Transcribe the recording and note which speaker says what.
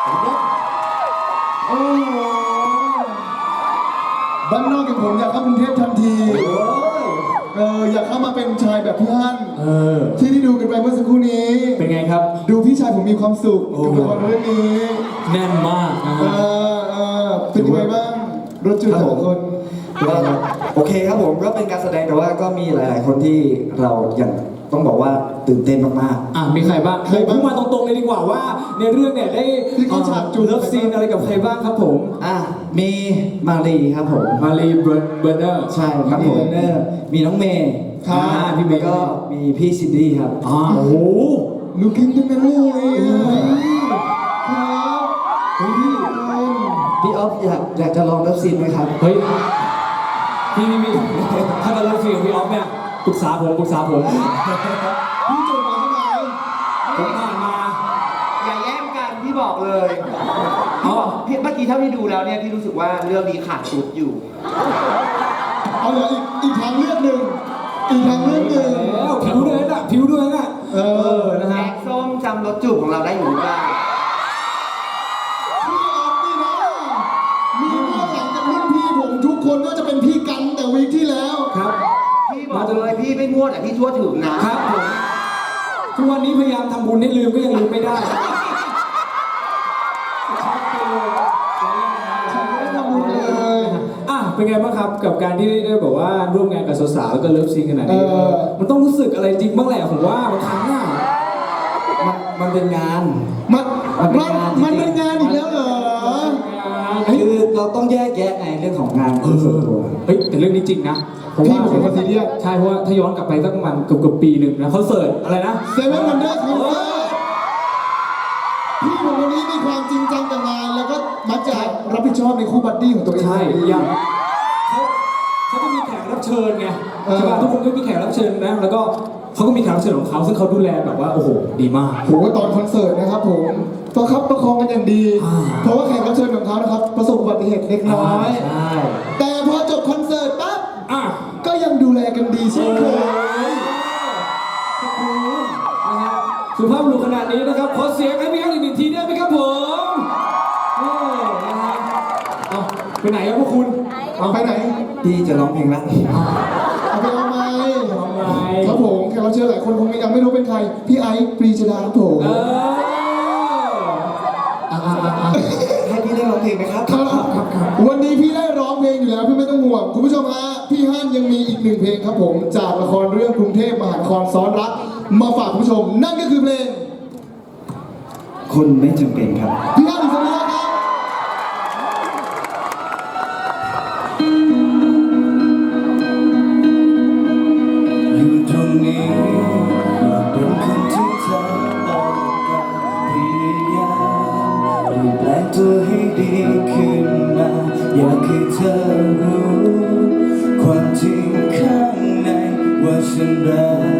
Speaker 1: โอ้บ้านนอกอย่างผมอยากเข้ากรุงเทพทันทีอยากเข้ามาเป็นชายแบบพี่ฮั่นที่ได้ดูกันไปเมื่อสักครู่นี้
Speaker 2: เป็นไงครับ
Speaker 1: ดูพี่ชายผมมีความสุขกับละครเรื่องนี้
Speaker 2: แน่นมากนะ
Speaker 1: เป็นยังไงบ้างรถจุดแต่ละคน
Speaker 3: โอเคครับผมก็เป็นการแสดงแต่ว่าก็มีหลายๆคนที่เราอย่างต้องบอกว่าตื่นเต้นมาก
Speaker 2: ๆมีใครบ้างพูดมาตรงๆเลยดีกว่าว่าในเรื่องเนี่ยได้
Speaker 1: ฉากจูบ
Speaker 2: เลิฟซีนอะไรกับใครบ้างครับผม
Speaker 3: มีมารีครับผม
Speaker 2: มารีเบอร์เนอร์
Speaker 3: ใช่ครับผมมีน้องเมย์
Speaker 2: พี่เมย์
Speaker 3: ก็มีพี่ซินดี้ครับ
Speaker 2: โอ้โห
Speaker 1: ลูกกิ้งทั้งนั้นเลย
Speaker 3: พี่ออฟอยากจะลองเลิฟซีนไหมครับ
Speaker 2: เฮ้ยพี่ถ้าจะเลิฟซีนพี่ออฟเนี่ยปรึกษาผม
Speaker 1: พี่จบมาทำไม
Speaker 2: ผมผ่านมา
Speaker 4: อย่าแย่งกันพี่บอกเลยพี่บอกเมื่อกี้เท่าที่ดูแล้วเนี่ยพี่รู้สึกว่าเรื่องนี้ขาดชุดอยู่
Speaker 1: เอาเหรออีกทางเลือกหนึ่งผิวด้วยนะ
Speaker 4: นะฮะแกงส้มจำรสจูบของเราได้อยู่หรือเปล่า
Speaker 1: พี่ออฟนี่นะมีเมื่อหลังจากรุ่นพี่ผมทุกคนก็จะเป็นพี่กันแต่วีคที่แล้ว
Speaker 2: ครับ
Speaker 4: พี่บอกเลยพี่ไม่มั่วแต่พี่ทั่วถึง
Speaker 2: นะครับผมทุกวันนี้พยายามทำบุญให้ลืมก็ยังลืมไม่ได้เป็นไงบ้างครับกับการที่ได้แบบว่าร่วมงานกับสาวๆแล้วก็เลิฟซีนขนาดนี้มันต้องรู้สึกอะไรจริงบ้างแหละผมว่าบางครั้ง
Speaker 3: มันเป็นงาน
Speaker 1: มันเป็นงานอีกแล้วเหรอ
Speaker 3: คือเราต้องแยกแยะไงเรื่องของงานส่วนตัว
Speaker 2: แต่เรื่องนี้จริงนะ
Speaker 1: พี่ผมเป็นคนซีเรียส
Speaker 2: ใช่เพราะว่าถ้าย้อนกลับไปสักประมาณเกือบปีหนึ่งนะเขาเสิร์ชอะไรนะ
Speaker 1: เซเว่นวันเดอร์คอนเสิร์ตพี่ผมคนนี้มีความจริงจังกับงานแล้วก็มักจะรับผิดชอบในคู่บัดดี้ของตัวเอง
Speaker 2: ใช่อย่างเขาจะมีแขกรับเชิญไงใช่ป่ะทุกคนก็มีแขกรับเชิญนะแล้วก็เขาก็มีแขกรับเชิญของเขาซึ่งเขาดูแลแบบว่าโอ้โหดีมาก
Speaker 1: ผมว่าตอนคอนเสิร์ตนะครับผมประคับประคองกันอย่างดีเพราะว่าแขกรับเชิญของเขานะครับประสบอุบัติเหตุเล็กน้อยแต่พอจบคอนเสิร์ตปั๊บก็ยังดูแลกันดีเช่นเคย
Speaker 2: นะฮะสุภาพบุรุษขนาดนี้นะครับขอเสียงให้พี่ฮั่นอีกหนึ่งทีได้ไหมครับผมนะฮะเอาไปไหนครับพวกคุณ
Speaker 1: ไปไหน
Speaker 3: พี่จะร้องเพลงละ
Speaker 1: เอาไปเอาไมครับผมแขกรับเชิญหลายคนคงยังไม่รู้เป็นใครพี่ไอซ์ปรีชดาครับผม
Speaker 3: ให้พี่ได้ร้องเพลงไหมครับ
Speaker 1: วันนี้พี่ได้ร้องเพลงอยู่แล้วพี่ไม่ต้องห่วงคุณผู้ชมฮะพี่ฮั่นยังมีอีกหนึ่งเพลงครับผมจากละครเรื่องกรุงเทพมหานครซ้อนรักมาฝากคุณผู้ชมนั่นก็คือเพลง
Speaker 3: คนไม่จำเป็นครับ
Speaker 1: พี่ฮั่นอิสระครับ
Speaker 3: อยู่ตรงนี้อยากเป็นคนที่เธอต้องการพยายามเปลี่ยนแปลงตัวให้ดีขึ้นมาอยากให้เธอรู้ความจริงข้างในว่าฉันรัก